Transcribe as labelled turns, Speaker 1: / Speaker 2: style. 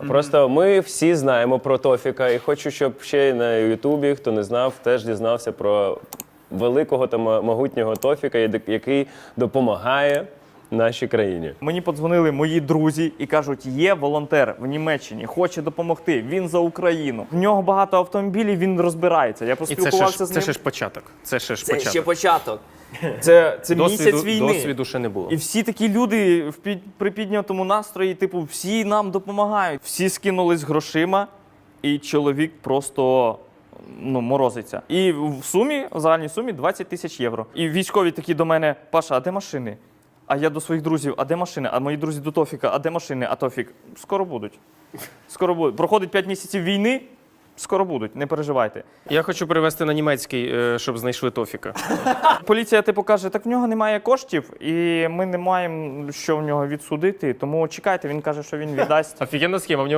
Speaker 1: Просто ми всі знаємо про Тофіка, і хочу, щоб ще й на Ютубі, хто не знав, теж дізнався про великого та могутнього Тофіка, який допомагає нашій країні.
Speaker 2: Мені подзвонили мої друзі і кажуть, є волонтер в Німеччині, хоче допомогти, він за Україну. В нього багато автомобілів, він розбирається. Я поспілкувався з ним.
Speaker 3: Це ще ж початок. Це
Speaker 2: ще початок. Це місяць війни.
Speaker 3: Досвіду ще не було.
Speaker 2: І всі такі люди при піднятому настрої, типу, всі нам допомагають. Всі скинулись грошима, і чоловік просто морозиться. І в загальній сумі 20 тисяч євро. І військові такі до мене: Паша, а де машини? А я до своїх друзів: а де машини? А мої друзі до Тофіка: а де машини? А Тофік: скоро будуть. Скоро будуть. Проходить 5 місяців війни, скоро будуть, не переживайте.
Speaker 3: Я хочу перевести на німецький, щоб знайшли Тофіка.
Speaker 2: Поліція типу каже, так в нього немає коштів, і ми не маємо що в нього відсудити, тому чекайте, він каже, що він віддасть.
Speaker 3: Офігенна схема.